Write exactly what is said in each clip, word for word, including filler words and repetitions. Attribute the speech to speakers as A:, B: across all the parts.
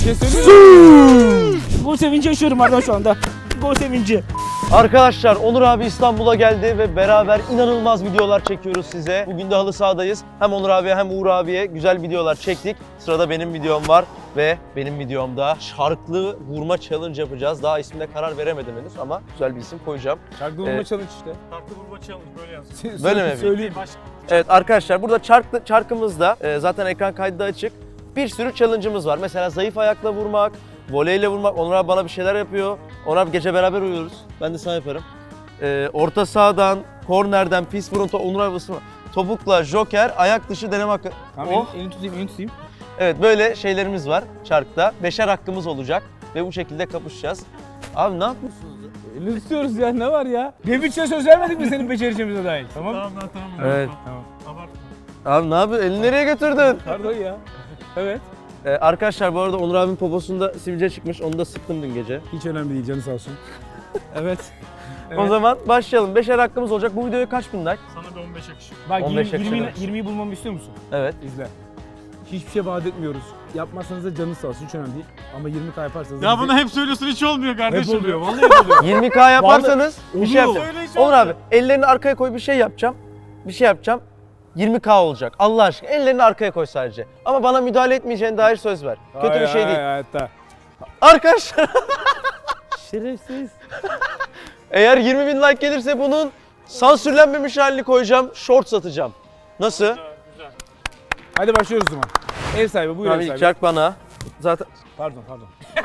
A: şey söyleyeyim mi? Gol sevinci yaşıyorum Arda şu anda. Gol sevinci.
B: Arkadaşlar Onur abi İstanbul'a geldi ve beraber inanılmaz videolar çekiyoruz size. Bugün de halı sahadayız. Hem Onur abiye hem Uğur abiye güzel videolar çektik. Sırada benim videom var ve benim videomda şarklı vurma challenge yapacağız. Daha ismine karar veremedim henüz ama güzel bir isim koyacağım.
A: Şarklı vurma
B: Evet.
A: challenge işte.
C: Farklı vurma challenge böyle yazıyor.
B: Böyle mi?
A: Söyleyeyim.
C: Baş...
B: Evet arkadaşlar burada çarklı, çarkımızda e, zaten ekran kaydı da açık. Bir sürü challenge'ımız var. Mesela zayıf ayakla vurmak, voleyle vurmak. Onur abi bana bir şeyler yapıyor. Onur abi gece beraber uyuyoruz. Ben de sana yaparım. E, orta sahadan, kornerden, pis burun, Onur abi ısırma. Topukla, joker, ayak dışı deneme hakkı.
A: Tamam
B: Oh.
A: elini, elini tutayım, elini tutayım.
B: Evet böyle şeylerimiz var çarkta. Beşer hakkımız olacak ve bu şekilde kapışacağız. Abi ne yapıyorsunuz?
A: Elini tutuyoruz ya, ne var ya? Demirç'e söz vermedik mi senin becerişimize dair? Tamam.
C: Tamam lan tamam.
B: Evet.
A: Tamam.
C: Abartma.
B: Abi ne yapıyorsun? Elini nereye götürdün?
A: Pardon ya. Evet.
B: Ee, arkadaşlar bu arada Onur abinin poposunda sivilce çıkmış. Onu da sıktım dün gece.
A: Hiç önemli değil, canı sağ olsun. Evet.
B: O zaman başlayalım. Beşer hakkımız olacak. Bu videoya kaç bin like?
C: Sana bir on beş yakışır.
A: Bak
B: on beş
A: yirmi, yirmi,
B: yakışır.
A: yirmiyi bulmamı istiyor musun?
B: Evet.
A: İzle. Hiçbir şey vaat etmiyoruz. Yapmazsanız da canınız sağ olsun, hiç önemli değil. Ama yirmi K yaparsanız da
C: Ya
A: bizi-
C: bunu hep söylüyorsun hiç olmuyor
A: hep
C: kardeşim.
A: oluyor, vallahi hep oluyor.
B: yirmi K yaparsanız bir şey
A: oluyor.
B: yapacağım.
C: Söyle hiç
B: Onur
C: olmuyor.
B: abi ellerini arkaya koy, bir şey yapacağım. Bir şey yapacağım. yirmi K olacak. Allah aşkına ellerini arkaya koy sadece. Ama bana müdahale etmeyeceğine dair söz ver. Kötü bir
A: Hayır,
B: şey
A: hayır,
B: değil.
A: hayatta.
B: Arkadaşlar
A: Şerefsiz.
B: eğer yirmi bin like gelirse bunun sansürlenmemiş halini koyacağım. Short satacağım. Nasıl?
C: Güzel, güzel.
A: Hadi başlıyoruz o zaman. Ev sahibi, buyur
B: Abi
A: ev
B: ilk
A: sahibi.
B: çark bana. Zaten
A: Pardon, pardon.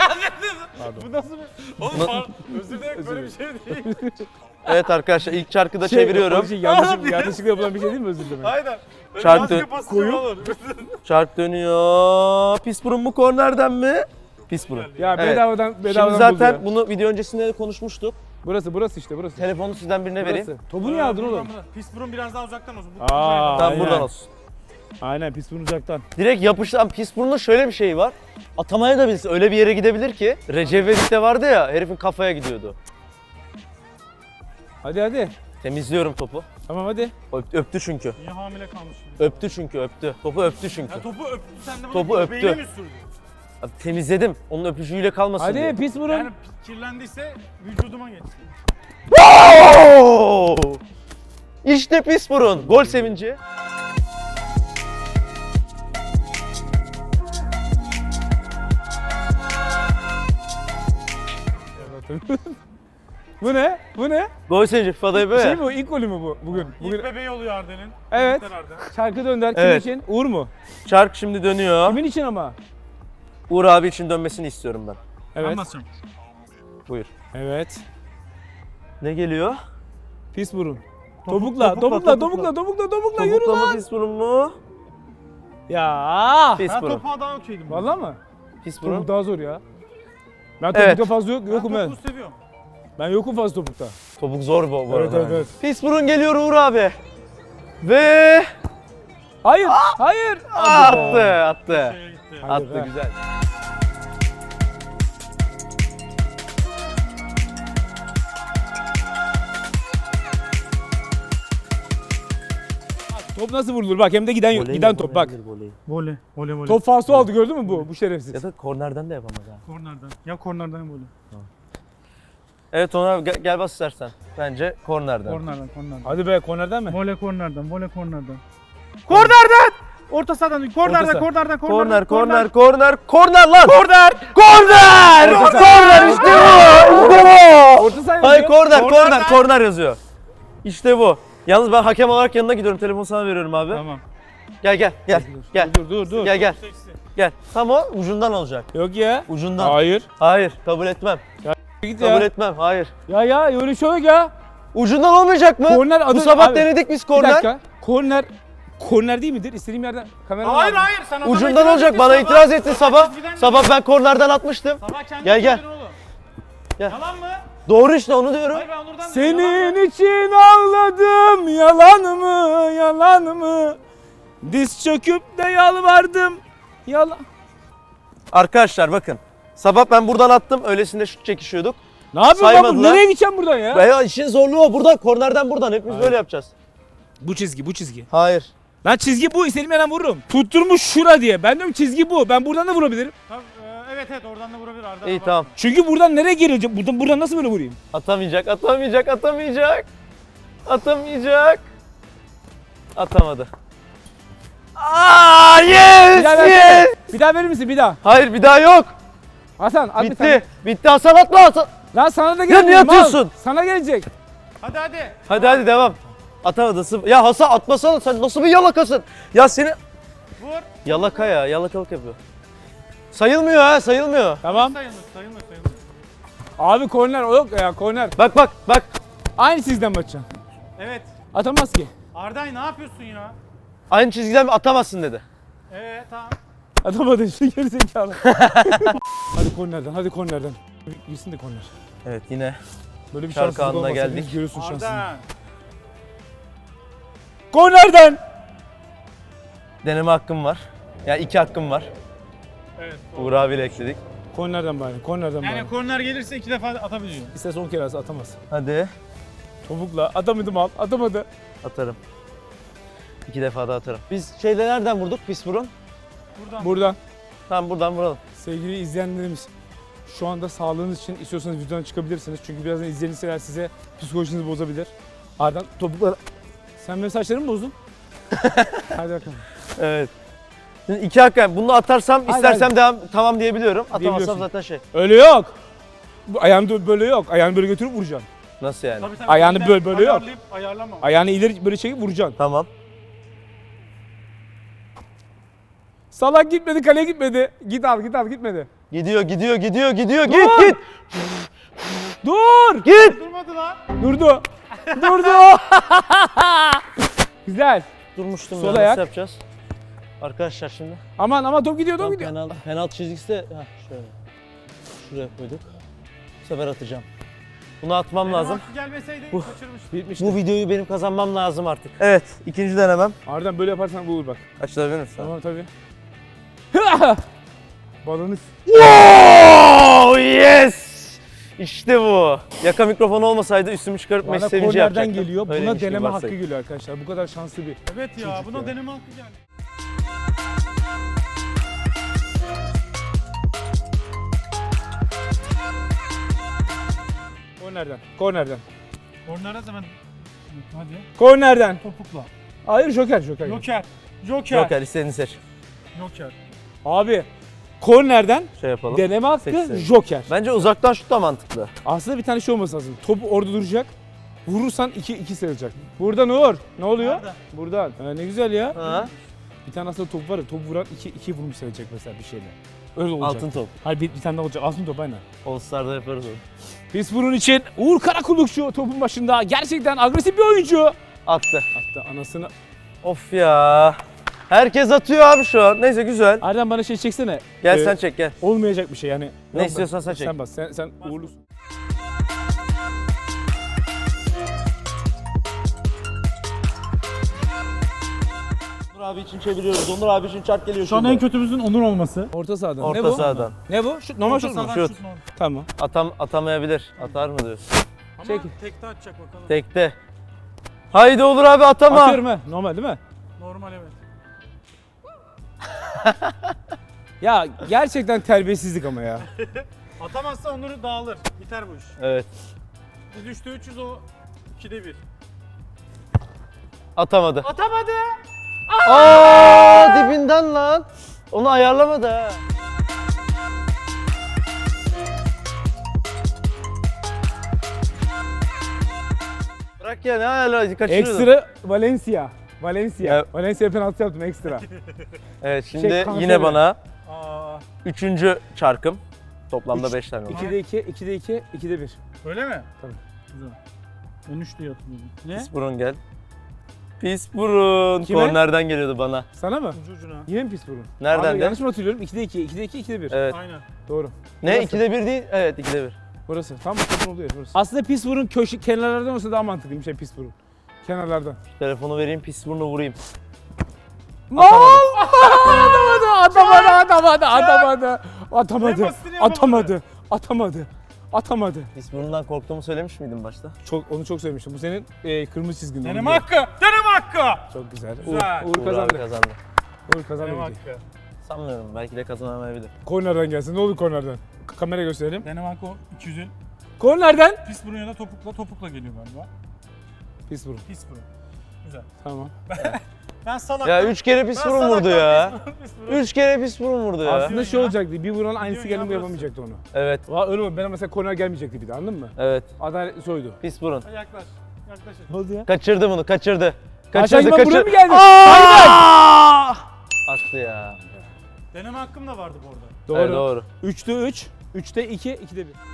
C: Bu nasıl bir... Oğlum
B: Na-
C: pardon, özür dilerim böyle bir şey değil.
B: evet arkadaşlar ilk çarkı da
A: Şey,
B: çeviriyorum.
A: o Şey, yanlışlıkla, yanlışlıkla yapılan bir şey değil mi, özür dilerim?
C: Aynen. Böyle
B: Çarptı.
C: maske pozisyonu olur.
B: Çark dönüyor. Pis burun mu kornerden mi? Pis burun.
A: Ya
B: Evet.
A: bedavadan, bedavadan
B: Şimdi zaten
A: buldu ya.
B: bunu video öncesinde de konuşmuştuk.
A: Burası, burası işte, burası.
B: Telefonu sizden birine vereyim.
A: Burası. Topu niye aldın oğlum?
C: Pis burun biraz daha uzaktan olsun. Bu
A: Aa,
B: Tamam
A: aynen.
B: buradan olsun.
A: Aynen, pis burun uzaktan.
B: Direkt yapıştan pis burnun şöyle bir şeyi var. Atamaya da bilsin. Öyle bir yere gidebilir ki. Recep İvedik'te vardı ya, herifin kafaya gidiyordu.
A: Hadi hadi.
B: Temizliyorum topu.
A: Tamam hadi.
B: Öp- öptü çünkü.
C: Niye hamile kalmış?
B: Öptü çünkü öptü. Topu öptü çünkü.
C: Ya topu öptü sen de bunu
B: Topu
C: göbeğine
B: öptü.
C: mi sürdün?
B: Abi temizledim. Onun öpücüğüyle kalmasın
A: Hadi
B: diye.
A: pis burun.
C: Yani kirlendiyse vücuduma geçsin.
B: Oo! İşte pis burun. Gol sevinci.
A: Bu ne? Bu ne?
B: Gol sevinci. FIFA'da böyle.
A: Şey mi bu? İlk golü mü bu bugün? Bugün
C: İlk bebeği oluyor Arden'in.
A: Evet.
C: Tebrikler Arden.
A: şarkı dönder. Kim
B: Evet.
A: için? Uğur mu?
B: Çark şimdi dönüyor.
A: Kimin için ama?
B: Uğur abi için dönmesini istiyorum ben.
A: Evet.
C: Anlatacağım.
B: Buyur.
A: Evet.
B: Ne geliyor?
A: Pis burun.
B: Topuk,
A: Topukla,
B: topukla,
A: topukla, topukla, topukla, topukla, yürü
B: Topukla
A: lan.
B: mı pis burun mu?
A: Ya.
B: Pis
C: Ben
B: burun.
C: topuğa daha okeydim.
A: Vallahi mı?
B: Pis
A: Topuk
B: burun.
A: daha zor ya. Ben
B: Evet.
A: topukta fazla yok,
C: Ben
A: yokum ben.
C: topuğu seviyorum.
A: Ben yokum fazla topukta.
B: Topuk zor bu, bu
A: Evet,
B: arada.
A: evet, evet.
B: Pis burun geliyor Uğur abi. Ve
A: Hayır, hayır.
B: attı, attı.
C: Şeye gitti.
A: Hadi
B: Attı
A: be.
B: güzel.
A: Top nasıl vurulur? Bak hem de giden
B: Voley
A: giden
B: mi,
A: top
B: voley
A: bak.
B: mi, voley?
C: Voley. Voley voley.
A: Top falso aldı, gördün mü bu? Bu şerefsiz.
B: Ya da kornerden de yapamaz ha.
C: Kornerden. Ya kornerden ya voley.
B: Evet Onur abi gel, gel bas istersen. Bence kornerden.
C: Kornerden kornerden.
A: Hadi be, kornerden mi?
C: Voley kornerden. Voley kornerden. Kornerden! Orta sahadan. Kornerden,
A: saha.
C: kornerden,
B: Korner,
C: kornerden.
B: korner, korner, korner lan!
A: Korner!
B: Korner!
A: Orta
B: Korner işte bu! İşte bu!
A: Orta saha
B: Hayır
A: yazıyor.
B: korner, korner,
C: Kornerden.
B: korner yazıyor. İşte bu. Yalnız ben hakem olarak yanına gidiyorum. Telefonu sana veriyorum abi.
C: Tamam.
B: Gel gel gel. Gel.
A: Dur dur dur.
B: Gel gel.
C: Seksi.
B: Gel. Tam o ucundan olacak.
A: Yok ya.
B: Ucundan.
A: Hayır.
B: Hayır, kabul etmem.
A: Git
B: Kabul
A: ya.
B: etmem. Hayır.
A: Ya ya öyle şey yok ya.
B: Ucundan olmayacak mı?
A: Korner adı-
B: Bu sabah
A: abi,
B: denedik biz
A: Bir
B: korner.
A: dakika. Korner korner değil midir? İstediğim yerden kamera
C: Hayır hayır sen adama
B: Ucundan
C: itiraz
B: olacak.
C: ettin
B: Bana
C: sabah.
B: itiraz ettin sabah.
C: çizgiden
B: Sabah ben kornerden atmıştım.
C: Sabah kendin
B: Gel, gel.
C: söyledin oğlum.
B: Gel.
C: Yalan mı?
B: Doğru işte onu diyorum.
C: Hayır ben Onur'dan dedim, yalan mı?
A: Senin için ağladım, yalan mı, yalan mı? Diz çöküp de yalvardım, yalan.
B: Arkadaşlar bakın. Sabah ben buradan attım. Öylesinde şut çekişiyorduk.
A: Ne yapıyorsun lan bu?
B: Saymadılar.
A: Nereye gideceğim buradan ya?
B: Veya işin zorluğu o. Buradan kornerden buradan. Hepimiz
A: Hayır.
B: böyle yapacağız.
A: Bu çizgi, bu çizgi.
B: Hayır.
A: Lan çizgi bu, istediğim yerden vururum. Tutturmuş şura diye. Ben diyorum çizgi bu. Ben buradan da vurabilirim.
C: Tamam, e, evet Evet evet oradan da vurabilir Arda.
B: İyi
C: bak.
B: tamam.
A: Çünkü buradan nereye girilecek? Buradan, buradan nasıl böyle vurayım?
B: Atamayacak, atamayacak, atamayacak. Atamayacak. Atamadı. Aa, yes,
A: Bir daha
B: yes.
A: versene. Bir daha verir misin? Bir daha.
B: Hayır, bir daha yok.
A: Hasan at bir tane.
B: Bitti. Bitti Hasan, atma Hasan.
A: Lan sana da
B: Ya
A: gelecek.
B: niye
A: mal.
B: atıyorsun?
A: Sana gelecek.
C: Hadi hadi.
B: Hadi hadi devam. Atamadı. sıf- Ya Hasan atmasana, sen nasıl bir yalakasın? Ya seni...
C: Vur.
B: Yalaka ya, yalakalık yapıyor. Sayılmıyor ha, sayılmıyor.
A: Tamam.
C: Sayılmıyor sayılmıyor sayılmıyor.
A: Abi korner o yok ya korner.
B: Bak bak bak.
A: Aynı sizden bakacaksın.
C: Evet.
A: Atamaz ki.
C: Arday ne yapıyorsun ya?
B: Aynı çizgiden atamazsın dedi.
C: Evet tamam.
A: Atamadın şu geri zekalı. hadi kornerden hadi kornerden. Gitsin de korner.
B: Evet yine.
A: Böyle bir
B: Şarkı
A: şanssızlık
B: anına
A: olmasa
B: geldik.
A: biz görüyorsun şansını.
C: Arda.
A: Kornerden.
B: Deneme hakkım var. Ya iki hakkım var.
C: Evet.
B: Uğur abiyle ekledik.
A: Kornerden bari. Kornerden bari.
C: Yani korner gelirse iki defa atabiliyor.
A: İsterse on kere atsa atamaz.
B: Hadi.
A: Topukla atamadım al. Atamadı.
B: Atarım. İki defa da atarım. Biz şeyde nereden vurduk? Pis burun.
C: Buradan.
A: Buradan
B: Tamam buradan vuralım.
A: sevgili izleyenlerimiz şu anda sağlığınız için istiyorsanız videodan çıkabilirsiniz. Çünkü birazdan izleyenler size psikolojinizi bozabilir. Ardından topukla... Sen benim saçlarımı mı bozdun? Hadi bakalım.
B: Evet. Şimdi iki hakkım. Bunu atarsam
A: Hadi,
B: istersem
A: hadi.
B: devam tamam diyebiliyorum. Atamazsam
A: Diyebiliyorsun.
B: zaten şey.
A: Öyle yok. Bu ayağını böyle yok. Ayağını böyle götürüp vuracaksın.
B: Nasıl yani?
C: Tabii, tabii.
A: Ayağını
C: Elinden
A: böyle- böyle yok.
C: ayarlayıp ayarlama.
A: Ayağını ileri böyle çekip vuracaksın.
B: Tamam.
A: Salak gitmedi, kaleye gitmedi. Git al, git al, gitmedi.
B: Gidiyor, gidiyor, gidiyor, gidiyor.
A: Dur!
B: Git, git.
A: Dur!
B: Git.
C: Durmadı lan.
A: Durdu. Durdu. Güzel.
B: Durmuştum
A: Sol
B: ya.
A: ayak.
B: Nasıl yapacağız? Arkadaşlar şimdi.
A: Aman ama top gidiyor, top
B: Tam
A: gidiyor.
B: penaltı, penaltı çizgisi de heh, şöyle. Şuraya koyduk. Bu sefer atacağım. Bunu atmam
C: Benim
B: lazım.
C: hakkı gelmeseydi
B: Bu-
C: kaçırmıştım.
A: Bitmişti.
B: Bu videoyu benim kazanmam lazım artık. Evet, ikinci denemem.
A: Ardından böyle yaparsan bu olur bak.
B: Açılabilir misin?
A: Tamam tabii. Balonu
B: Wow, yes! İşte bu. Yaka mikrofonu olmasaydı üstümü çıkarıp
A: bana
B: Messi sevinci
A: kornerden
B: yapacaktım.
A: geliyor. Buna
B: Öyleymiş gibi
A: deneme hakkı
B: varsayın.
A: geliyor arkadaşlar. Bu kadar şanslı bir.
C: Evet ya
A: Çocuk
C: buna
A: ya.
C: deneme hakkı geldi.
A: Kornerden. Kornerden.
C: Korner'e hemen. Hadi.
A: Kornerden.
C: Topukla.
A: Hayır joker joker.
C: Joker. Joker.
B: Joker istediğini seç.
C: Joker.
A: Abi kornerden
B: Şey yapalım.
A: deneme hakkı
B: Seçsin.
A: joker.
B: Bence uzaktan şut da mantıklı.
A: Aslında bir tane şey olması lazım. Top orada duracak. Vurursan iki iki sayılacak. Buradan Uğur. Ne oluyor?
C: Nerede?
A: Buradan. Ha, ne güzel ya.
B: Ha?
A: Bir tane aslında top var ya. Top vuran iki iki vurmuş sayılacak mesela bir şeyle. Öyle olacak.
B: Altın top.
A: Hayır bir, bir tane daha olacak. Altın top aynen.
B: All Star'da yaparız onu.
A: Biz bunun için Uğur Karakullukçu topun başında gerçekten agresif bir oyuncu.
B: Attı.
A: Hatta anasını...
B: Of ya. Herkes atıyor abi şu an. Neyse güzel.
A: Erdem bana şey çeksene.
B: Gel
A: Ee,
B: sen çek gel.
A: Olmayacak bir şey yani.
B: Ne
A: Yok,
B: istiyorsan sen çek.
A: Sen bas. Sen, sen uğurlusun.
B: Onur abi için çeviriyoruz. Onur abi için çark geliyor
C: Şu an en kötümüzün Onur olması.
A: Orta sahadan.
B: Orta
A: ne bu?
B: sahadan.
A: Ne bu? Şut, normal
C: Orta
A: şut mu?
C: sahadan
B: Şut.
C: normal.
A: Tamam.
B: Atam atamayabilir. Atar mı diyorsun?
C: Ama
A: Çek.
C: tekte atacak bakalım.
B: Tekte. Haydi Onur abi atama.
A: Atıyorum ha. Normal değil mi?
C: Normal evet.
A: Ya gerçekten terbiyesizlik ama ya.
C: Atamazsa Onur dağılır. Biter bu iş.
B: Evet.
C: Biz üçte üçüz o ikide bir.
B: Atamadı.
C: Atamadı.
B: Aa dibinden lan. Onu ayarlamadı ha. Bırak ya ne hala kaçırıyordun.
A: Ekstra Valencia. Valencia.
B: Evet.
A: Valencia penaltı yaptım ekstra.
B: Evet şimdi
A: Şey, kanser
B: yine
A: mi?
B: bana
C: Aa,
B: üçüncü çarkım. Toplamda
A: Üç.
B: beş tane oldu.
A: ikide iki, ikide iki, ikide bir.
C: öyle mi?
A: Tabii.
C: Güzel. Ben üç diye hatırlıyorum. Ne?
B: Pis burun gel. Pis burun.
A: Kime?
B: Kornerden geliyordu bana.
A: Sana mı?
C: Ucu ucuna.
A: Yine mi pis burun?
B: Nereden
A: Abi,
B: de?
A: yanlış mı hatırlıyorum? ikide iki, ikide iki, ikide bir.
B: Evet.
C: Aynen.
A: Doğru.
B: Ne?
A: Burası.
B: ikide bir değil? Evet ikide bir.
A: Burası. Tam bakın oluyor burası. Aslında pis burun köşe kenarlardan olsa daha mantıklıymış şey pis burun. Kenarlardan.
B: Telefonu vereyim pis burnu vurayım.
A: Mal! Atamadı, atamadı, atamadı, atamadı, atamadı,
C: En basitini yapamadı.
A: atamadı, atamadı, atamadı.
B: Pis burnundan korktuğumu söylemiş miydim başta?
A: Çok, onu çok sevmiştim. Bu senin e, kırmızı çizgin. onu
C: Deneme
A: biliyorum.
C: hakkı. Deneme hakkı.
A: Çok güzel.
C: Güzel.
A: Uğur, Uğur
B: Uğur
A: kazandı.
B: abi kazandı.
A: Uğur kazandı.
C: Deneme
A: videoyu.
C: hakkı.
B: Sanmıyorum. Belki de kazanamayabilir.
A: Kornerden gelsin. Ne olur kornerden. K- kamera gösterelim.
C: Denemarka iki yüzün.
A: Kornerden.
C: Pis burun ya da topukla topukla geliyor galiba.
A: Pis burun.
C: Pis burun. Güzel.
A: Tamam.
C: Ben salak.
B: Ya üç kere pis
C: Ben
B: burun
C: salaktan
B: vurdu ya.
C: pis burun, pis burun.
B: Üç kere pis burun vurdu ya.
A: Aslında şey
C: ya.
A: olacaktı. Bir vuran aynısı
C: Diyorsun
A: gelin
C: ya
A: bu
C: burası.
A: yapamayacaktı onu.
B: Evet.
A: Va öyle mi? Ben mesela korner gelmeyecekti bir de anladın mı?
B: Evet.
A: Adaletli soydu.
B: Pis burun.
C: Yaklaş. Yaklaşın.
A: Ne oldu ya?
B: Kaçırdı bunu. Kaçırdı.
A: Aşağı
B: Kaçırdı.
A: inme buraya
B: Kaçırdı.
A: mı geldi?
B: Aa! Attı ya.
C: Deneme hakkım da vardı bu arada.
A: Doğru.
B: Evet, doğru.
A: üçte üç, üçte iki, ikide bir.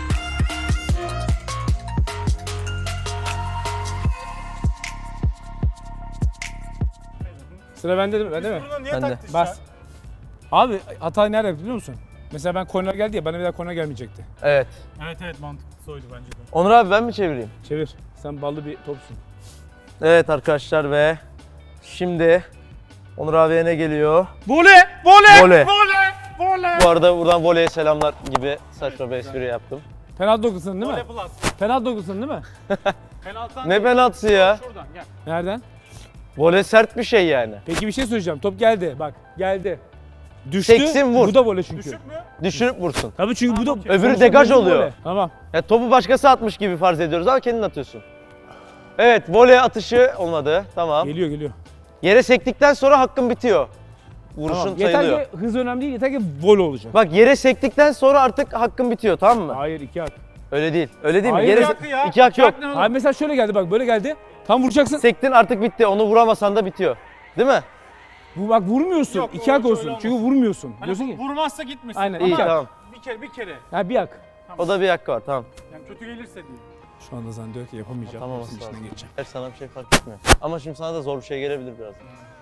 A: Sıra bende değil mi? Bende mi?
C: Pis buruna niye
B: Ben de.
C: taktın
A: Bas. Abi hatayı nerede yaptı biliyor musun? Mesela ben korner geldi ya bana bir daha korner gelmeyecekti.
B: Evet.
C: Evet evet mantıklı oydu bence de.
B: Onur abi ben mi çevireyim?
A: Çevir. Sen ballı bir topsun.
B: Evet arkadaşlar ve şimdi Onur abiye ne geliyor?
C: Voley! Voley!
B: Voley.
C: Voley! Voley!
B: Bu arada buradan voleye selamlar gibi saçma bir espri yaptım.
A: Penaltı dokusun değil mi?
C: Voley plus.
A: Penaltı dokusun değil mi?
C: Penaltıdan
B: Ne penaltısı ya?
C: şuradan gel.
A: Nereden?
B: Voley sert bir şey yani.
A: Peki bir şey söyleyeceğim. Top geldi. Bak geldi. Düştü.
B: Seksin vur.
A: Bu da voley çünkü.
C: Düşük mü?
B: Düşürüp vursun.
A: Tabii çünkü bu da...
C: Okey.
B: Öbürü
A: sonuçta
B: degaj
A: bu
B: oluyor.
A: voley. Tamam.
B: Ya topu başkası atmış gibi farz ediyoruz ama kendin atıyorsun. Evet, voley atışı olmadı. Tamam.
A: Geliyor geliyor.
B: Yere sektikten sonra hakkın bitiyor. Vuruşun
A: Tamam. Yeter
B: sayılıyor.
A: ki hız önemli değil. Yeter ki voley olacak.
B: Bak yere sektikten sonra artık hakkın bitiyor, tamam mı?
A: Hayır iki hak.
B: Öyle değil. Öyle değil mi?
A: Hayır,
B: Yere
C: iki hakkı ya.
B: iki hak
C: İki
B: yok.
C: hak ne oğlum?
A: Hayır mesela şöyle geldi bak böyle geldi. Tam vuracaksın.
B: Sektin artık bitti. Onu vuramasan da bitiyor. Değil mi?
A: Bu bak vurmuyorsun.
C: Yok,
A: iki
C: o-
A: hak
C: öyle
A: olsun.
C: olmaz.
A: Çünkü vurmuyorsun.
C: Hani
A: Diyorsun
C: bu-
A: ki.
C: vurmazsa gitmesin.
A: Aynen,
C: Ama
B: İyi
A: hak.
B: tamam.
C: bir kere bir kere.
A: Ha bir hak.
B: O da bir hakkı var, tamam.
C: Yani kötü gelirse değil.
A: Şu anda zannediyor ki yapamayacağım.
B: Tamam,
A: Hepsinin
B: sağ ol.
A: içinden geçeceğim.
B: Her sana bir şey fark etmiyor. Ama şimdi sana da zor bir şey gelebilir biraz.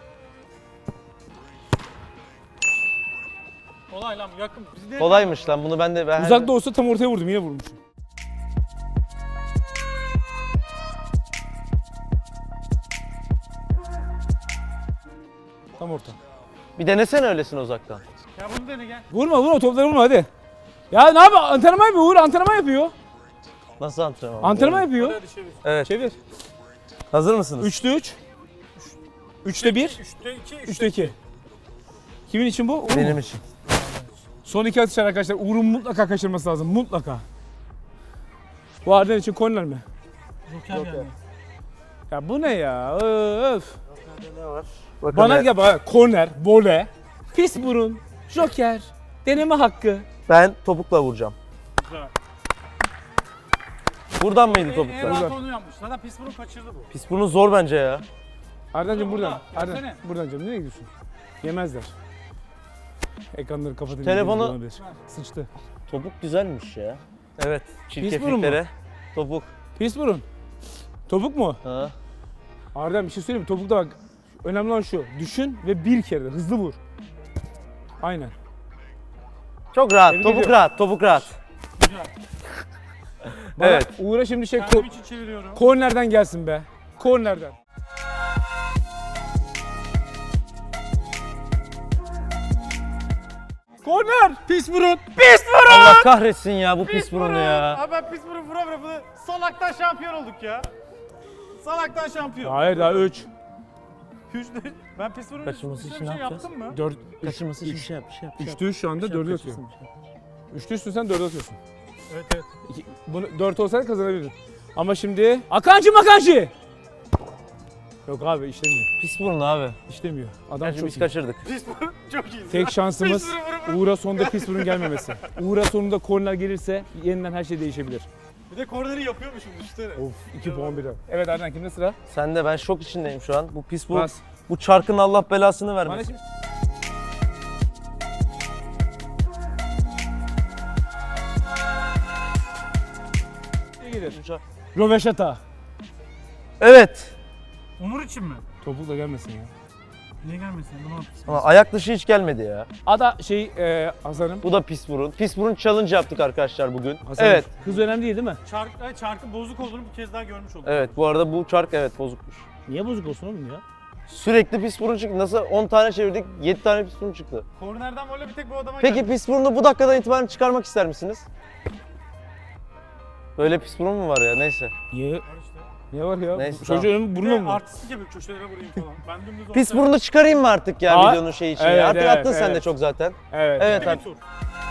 C: Kolay lan yakın. Biz de
B: Kolaymış lan bunu ben de... Ben
A: Uzakta olsa tam ortaya vurdum. Yine vurmuşum. Tam orta.
B: Bir denesene öylesine uzaktan.
C: Ya bunu dene gel.
A: Vurma vurma topları vurma hadi. Ya ne yapıyor? Antrenman yapıyor Uğur. Antrenman yapıyor.
B: Nasıl antrenman?
A: Antrenman yapıyor.
C: Hadi çevir.
B: Evet.
A: Çevir.
B: Hazır mısınız?
A: Üçte üç. Üçte bir.
C: Üçte iki.
A: Üçte iki. Kimin için bu? Uğur mu?
B: Benim için.
A: Son iki atış arkadaşlar. Uğur'un mutlaka kaçırması lazım. Mutlaka. Bu Arden için korner mi?
C: Joker geldi.
A: Ya bu ne ya? Öf.
B: Ne var? Bakalım
A: Bana
B: ya.
A: gel bana. Korner, vole, pis burun, joker, deneme hakkı.
B: Ben topukla vuracağım.
C: Güzel.
B: Buradan mıydı
C: En
B: topukla?
C: rahat onu yapmış. Zaten pis burun kaçırdı bu.
B: Pis bunu zor bence ya.
A: Ardancığım
C: Burada,
A: buradan.
C: burada.
A: Ardan,
C: Gelsene.
A: buradan canım. Nereye gidiyorsun? Yemezler. Ekranları kapatın.
B: Telefonu-
A: olabilir. Sıçtı.
B: Topuk güzelmiş ya. Evet.
A: burun mu?
B: Çirkefliklere. Topuk.
A: Pis burun. Topuk mu?
B: Ha.
A: Ardan bir şey söyleyeyim mi? Topukta bak. Önemli olan şu. Düşün ve bir kere de hızlı vur. Aynen.
B: Çok rahat.
A: Tebrik
B: topuk
A: ediyorum.
B: rahat. Topuk rahat.
C: Güzel.
A: Bana
B: Evet.
A: Uğur'a şimdi şey
C: Kendim
A: ko-
C: için çeviriyorum.
A: kornerden gelsin be. Kornerden. Korner!
C: Pis burun.
A: Pis burun!
B: Allah kahretsin ya bu pis burunu ya.
C: Abi ben pis burun vura vura bunu salaktan şampiyon olduk ya. Salaktan şampiyon.
A: Hayır daha üç.
C: Üçte ben pis burun
B: Kaçırması
C: üstüne
B: için
C: bir
B: ne
C: şey
B: yapacağız?
C: yaptım mı?
A: dört.
B: Kaçırması için bir şey yap, bir şey yap. bir şey yap.
A: Üçte üç şu anda
B: Bir şey yap,
A: dörde
B: kaçırsın,
A: atıyorsun.
B: bir şey yap.
A: Üçte üçtün dörde atıyorsun.
C: Evet evet.
A: İki, bunu dört olsaydı kazanabilirdin. Ama şimdi Akancı Makancı. Yok abi işlemiyor.
B: Pis burun abi.
A: İşlemiyor. Adam
B: Gerçi
A: çok
B: biz
A: iyi.
B: kaçırdık.
C: Pis burun çok iyi.
A: Tek şansımız
C: Pis burun, vura vura.
A: Uğur'a sonunda pis burun gelmemesi. Uğur'a sonunda korner gelirse yeniden her şey değişebilir.
C: Bir de korneri yapıyormuşum düşünsene.
A: Of iki puan birden. Evet Arden kimde sıra?
B: Sen de ben şok içindeyim şu an. Bu pis bu.
A: Bas.
B: Bu çarkın Allah belasını
A: Bana
B: vermesin.
A: şimdi... İyi gelir. Röveşata.
B: Evet.
C: Onur için mi?
A: Topukla gelmesin ya.
C: Niye gelmesin? Bunu at.
B: Ama ayak dışı hiç gelmedi ya.
A: Ada şey e, Hasan'ım.
B: Bu da pis burun. Pis burun challenge yaptık arkadaşlar bugün.
A: Hasan'ım,
B: Evet.
A: Hız önemli değil değil mi?
C: Çark, ay, çarkın bozuk olduğunu bir kez daha görmüş olduk.
B: Evet bu arada bu çark evet bozukmuş.
A: Niye bozuk olsun oğlum ya?
B: Sürekli pis burun çıktı. Nasıl on tane çevirdik yedi tane pis burun çıktı.
C: Kornerden böyle bir tek bu adama
B: Peki
C: geldi.
B: pis burunu bu dakikadan itibaren çıkarmak ister misiniz? Böyle pis burun mu var ya neyse.
A: Niye?
C: Var işte.
A: Niye var ya?
B: Neyse,
A: Çocuğun burnu
C: Ne
A: mu?
C: artistlik yapıyor köşelere vurayım falan. Ben dümdüz
B: Pis
C: ortaya-
B: burnu çıkarayım mı artık ya
A: Aa,
B: videonun şeyi için
A: evet,
B: ya? Artık
A: evet,
B: attın sen de
A: evet.
B: çok zaten.
A: Evet.
B: Evet
C: Bir
B: abi.
C: tur.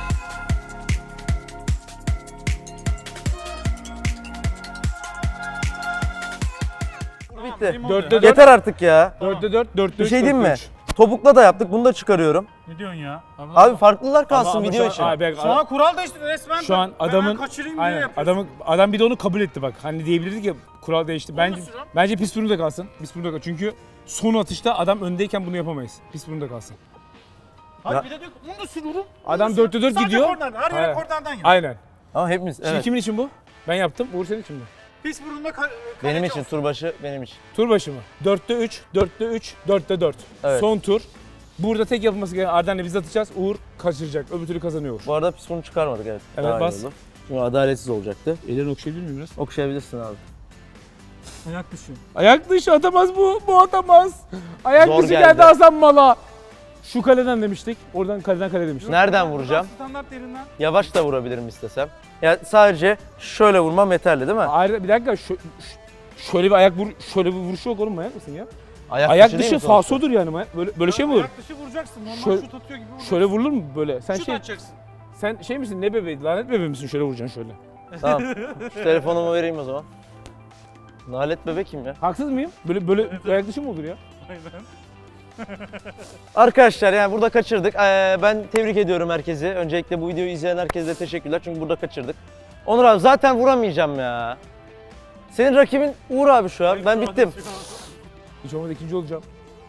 B: Bitti.
C: benim oluyor.
A: Dörtte dört.
B: Yeter artık ya.
A: dörtte dört, dörtte
B: Bir
A: üç,
B: şey diyeyim
A: dörtte
B: mi?
A: üç.
B: Topukla da yaptık. Bunu da çıkarıyorum.
C: Ne diyorsun ya?
B: Abi farklılar kalsın
A: Ama- ama
B: video
A: şu
B: için.
A: an- abi,
C: Şu an kural değişti resmen.
A: Şu an
C: ben
A: adamın
C: kaçırayım diye
A: aynen,
C: yapıyorsun.
A: adamın adam bir de onu kabul etti bak. Hani diyebilirdik ya kural değişti. Bence
C: sürüyorum.
A: bence pis burnu da kalsın. Pis burnu da kalsın. Çünkü son atışta adam öndeyken bunu yapamayız. Pis burnu da kalsın.
C: Hadi
B: Ya-
C: bir de diyor ki onu da sürüyorum.
A: Adam dörtte dört gidiyor.
C: Sadece kornerden. Her yere
A: Aynen.
C: kornerden yap.
A: Aynen.
B: Ama hepimiz
A: Şimdi
B: evet.
A: kimin için bu? Ben yaptım. Uğur senin için mi?
C: Pis burunla ka-
B: Benim
C: kaleci
B: için
C: olsun.
B: turbaşı benim için.
A: Tur başı mı? dörtte üç, dörtte üç, dörtte dört.
B: Evet.
A: Son tur. Burada tek yapılması gereken Arden'le biz atacağız. Uğur kaçıracak. Öbür türlü kazanıyor Uğur.
B: Bu arada pis burnu çıkarmadık evet.
A: Evet,
B: Daha iyi
A: bas.
B: oldu. Çünkü adaletsiz olacaktı.
A: Ellerini okşayabilir miyim biraz?
B: Okşayabilirsin abi.
C: Ayak dışı.
A: Ayak dışı atamaz bu. Bu atamaz. Ayak
B: Zor
A: dışı
B: geldi.
A: geldi Hasan Mal'a. Şu kaleden demiştik. Oradan kaleden kale demiştik.
B: Nereden
C: Buradan
B: vuracağım?
C: Standart yerinden.
B: Yavaş da vurabilirim istesem. Ya sadece şöyle vurmam yeterli değil mi?
A: Ayrı bir dakika şu, şu- şöyle bir ayak vur şöyle bir vuruşu yok oğlum manyak mısın ya?
B: Ayak,
A: Ayak
B: değil
A: dışı
B: mi sonuçta?
A: falsodur yani manyak. Böyle böyle şey mi olur?
C: Ayak dışı vuracaksın. Normal
A: Şöyle-
C: şut atıyor gibi vuracaksın.
A: Şöyle vurulur mu böyle? Sen
C: Şut
A: şey
C: atacaksın.
A: sen şey misin? Ne bebeği? Lanet bebeği misin? Şöyle vuracaksın şöyle.
B: Tamam. Şu telefonumu vereyim o zaman. Nalet bebek kim ya?
A: Haksız mıyım? Böyle böyle ayak dışı mı olur ya?
C: Aynen.
B: Arkadaşlar yani burada kaçırdık. Ee, ben tebrik ediyorum herkesi. Öncelikle bu videoyu izleyen herkese de teşekkürler çünkü burada kaçırdık. Onur abi zaten vuramayacağım ya. Senin rakibin Uğur abi şu an. Ben bittim.
A: Hiç olmadı ikinci olacağım.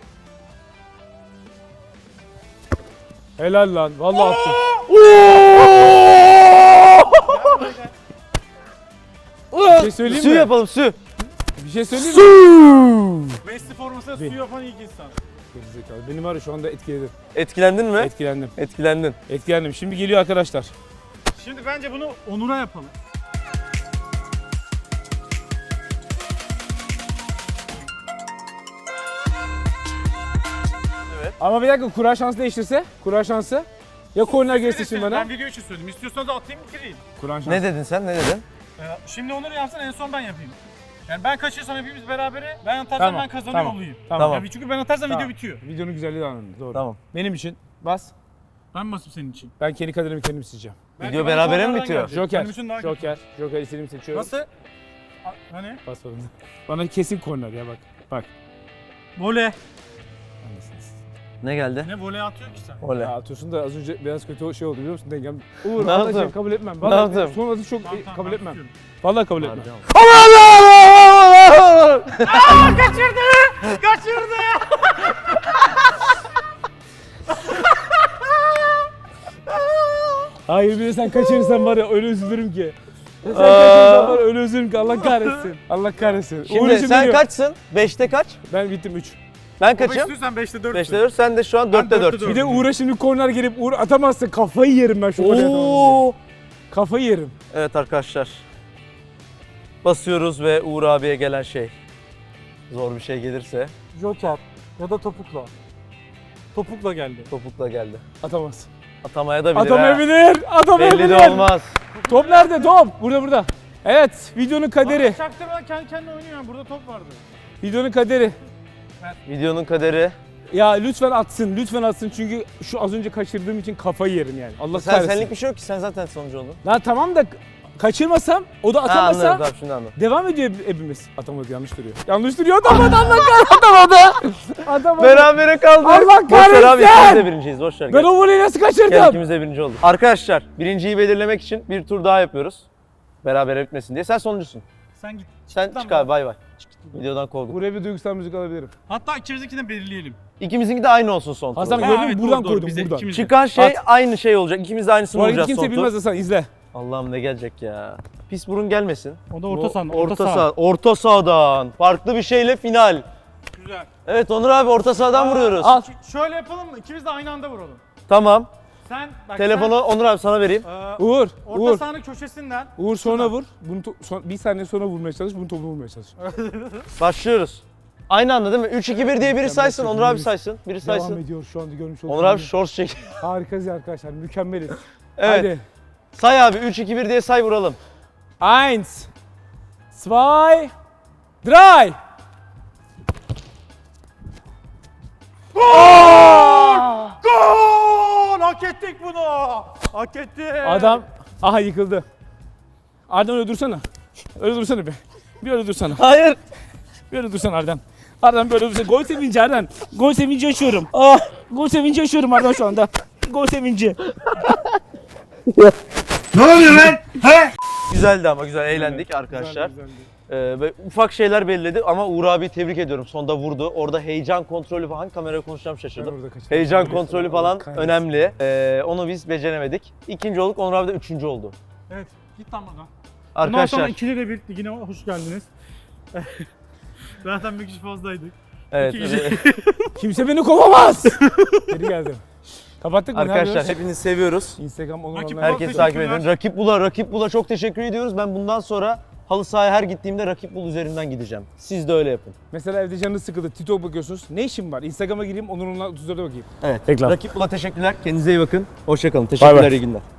A: Helal lan. Vallahi attım. Bir şey söyleyeyim
B: Su
A: mi?
B: yapalım su.
A: Bir şey söyleyeyim mi?
B: Su.
C: Messi formasına
A: Bir-
C: su yapan ilk insan.
A: Gerizekalı. Benim var ya şu anda etkiledim.
B: Etkilendin mi?
A: Etkilendim.
B: Etkilendin.
A: Etkilendim. Şimdi geliyor arkadaşlar.
C: Şimdi bence bunu Onur'a yapalım.
A: Ama bir dakika kura şansı değiştirse. Kura şansı. Ya korner geçti şimdi bana.
C: Ben video için söyledim. İstiyorsanız da atayım bitireyim.
A: Kur'an şansı.
B: Ne dedin sen? Ne dedin?
C: Ee, Şimdi Onur yapsın en son ben yapayım. Yani ben kaçırsam hepimiz berabere, ben atarsam
A: Tamam,
C: ben kazanıyor
A: tamam,
C: olayım.
A: Tamam.
C: Yani çünkü ben atarsam
A: Tamam.
C: video bitiyor.
A: Videonun güzelliği de anladım. Doğru.
B: Tamam.
A: Benim için bas.
C: Ben basıp senin için.
A: Ben kendi kaderimi kendim seçeceğim.
C: Belki
B: Video
C: ben
B: berabere mi
C: sonradan
B: bitiyor?
C: gelecek.
A: Joker.
C: Benim için daha kötü.
A: Joker. Joker istediğimi seçiyorum.
C: Nasıl? A- Hani?
A: Basmadım. Bana kesin korner ya bak. Bak.
C: Voley.
A: Anlasınız.
B: Ne geldi?
C: Ne voley atıyor ki sen?
B: Oley.
A: Ya atıyorsun da az önce biraz kötü şey oldu biliyor musun? Dengem. Uğur
B: Ne
A: arkadaşlar
B: yaptım?
A: kabul etmem.
B: Ne
A: Vallahi
B: yaptım?
A: son atış çok
C: Tamam,
A: e,
C: tamam,
A: kabul
C: ben
A: etmem.
C: tutuyorum.
A: Vallahi kabul etmem.
C: Kaçırdı! Kaçırdı!
A: Hayır bir de sen kaçırırsan var ya öyle üzülürüm ki. Sen kaçırırsan var ya öyle üzülürüm ki Allah kahretsin. Allah kahretsin. Uğur
B: Şimdi
A: için
B: sen
A: biliyor.
B: kaçsın? beşte kaç?
A: Ben bittim üç.
B: Ben
C: Kaçım?
B: kaçım?
C: İstiyorsan beşte dört.
B: beşte dört. Sen de şu an dörtte
C: dörtte
B: dört.
C: dört.
A: Bir de Uğur'a şimdi korner gelip Uğur atamazsa kafayı yerim ben şu golü atamam
B: Oo.
A: diye. Kafayı yerim.
B: Evet arkadaşlar. Basıyoruz ve Uğur abiye gelen şey. Zor bir şey gelirse
C: Joker ya da topukla. Topukla geldi.
B: topukla geldi.
A: Atamaz.
B: Atamaya da bilir ha.
A: Atamayabilir. Atamayabilir.
B: Belli de olmaz.
A: Top nerede? Top. Burada burada. Evet, videonun kaderi.
C: Çaktırmadan kendi kendine oynuyor yani. Burada top vardı.
A: Videonun kaderi.
B: Videonun kaderi.
A: Ya lütfen atsın, lütfen atsın çünkü şu az önce kaçırdığım için kafayı yerim yani. Allah
B: Sen
A: kahretsin.
B: senlik bir şey yok ki sen zaten sonucu oldun.
A: Lan tamam da kaçırmasam, o da
B: Ha,
A: atamasa
B: anladım tamam şimdi anladım.
A: devam ediyor hepimiz. Atamadı, yanlış duruyor. Yanlış duruyor, atamadı, Allah kahretsin, atamadı. Atamadı.
B: Berabere kaldık.
A: Allah
B: Boş ver abi
A: kahretsin!
B: ikimiz de birinciyiz boş ver.
A: Ben
B: Gel.
A: o voleyi nasıl
B: Gel
A: kaçırdım?
B: ikimiz de birinci olduk. Arkadaşlar birinciyi belirlemek için bir tur daha yapıyoruz. Berabere bitmesin diye. Sen sonuncusun.
C: Sen git.
B: Sen
C: Tamam.
B: çık abi bay bay. Videodan kovduk.
A: Buraya bir duygusal müzik alabilirim.
C: Hatta ikimizinkinden de belirleyelim.
B: İkimizinki de aynı olsun son
A: Hasan
B: turda.
A: gördün
C: Ha,
A: mü?
C: evet,
A: Buradan
C: doğru, doğru.
A: koydum,
C: Bize
A: buradan.
C: ikimiz de.
B: Çıkan şey
A: At.
B: aynı şey olacak. İkimiz de aynısını
A: Bu arada
B: bulacağız
A: kimse
B: son
A: bilmez
B: tur.
A: Hasan, izle.
B: Allah'ım ne gelecek ya. Pis burun gelmesin.
C: O da orta saha.
B: Orta saha. Orta sahadan. Farklı bir şeyle final.
C: Güzel.
B: Evet Onur abi orta sahadan vuruyoruz.
A: Al.
C: Ş- Şöyle yapalım mı? İkimiz de aynı anda vuralım.
B: Tamam.
C: Sen bak
B: Telefonu Onur abi sana vereyim.
C: sen, e,
A: Uğur,
C: orta
A: Uğur.
C: sahanın köşesinden
A: Uğur sonra vur. Bunu to- son- bir saniye sonra vurmaya çalış, bunu topunu vurmaya çalış.
B: Başlıyoruz. Aynı anda değil mi? üç iki bir diye biri
A: Mükemmel
B: saysın. Onur abi
A: çekimimiz
B: saysın. Biri
A: Devam
B: saysın.
A: ediyor şu anda görmüş olduğunuz
B: Onur abi
A: gibi.
B: shorts çek.
A: Harikayız arkadaşlar, mükemmeliz.
B: Evet.
A: Hadi.
B: Say abi üç iki bir diye say vuralım.
A: Eins, zwei, Dry.
C: Gol! Gol! Hak ettik bunu. Hak ettik.
A: Adam aha yıkıldı. Arden öyle dursana. Öyle dursana bir. Bir öyle dursana.
B: Hayır.
A: Bir öyle dursana Arden. Arden böyle dursana. Gol sevinci Arden. Gol sevinci yaşıyorum. Ah, gol sevinci yaşıyorum Arden şu anda. Gol sevinci.
B: Güzeldi ama güzel eğlendik arkadaşlar.
A: Güzeldi, güzeldi.
B: Ee, ve ufak şeyler belirledi ama Uğur abi tebrik ediyorum. Sonda vurdu. Orada heyecan kontrolü falan, kameraya konuşacağım
A: Ben
B: şaşırdım.
A: orada kaçırdım.
B: Heyecan
A: Allah
B: kontrolü falan
A: kahretsin.
B: önemli. Ee, onu biz beceremedik. İkinci olduk, Onur abi de üçüncü oldu.
C: Evet. Git lan buradan. Bundan sonra
B: Arkadaşlar,
C: ikili de bir ligine hoş geldiniz. Zaten bir kişi fazlaydık.
B: evet,
C: iki kişi-
B: evet.
A: Kimse beni kovamaz. Geri geldim. Kapattık mı? Ne
B: arkadaşlar
A: yapıyoruz?
B: hepinizi seviyoruz.
A: Instagram Onur
C: Rakip
A: Online.
C: Herkes
B: Herkes takip
C: teşekkürler.
B: edin. Rakip Bul'a, Rakip Bul'a çok teşekkür ediyoruz. Ben bundan sonra halı sahaya her gittiğimde Rakip Bul üzerinden gideceğim. Siz de öyle yapın.
A: Mesela evde canınız sıkıldı. TikTok bakıyorsunuz. Ne işim var? Instagram'a gireyim. Onur Online otuz dörde bakayım.
B: Evet.
A: Reklam.
B: Rakip Bul'a teşekkürler. Kendinize iyi bakın. Hoşça kalın. Teşekkürler,
A: bay.
B: iyi günler.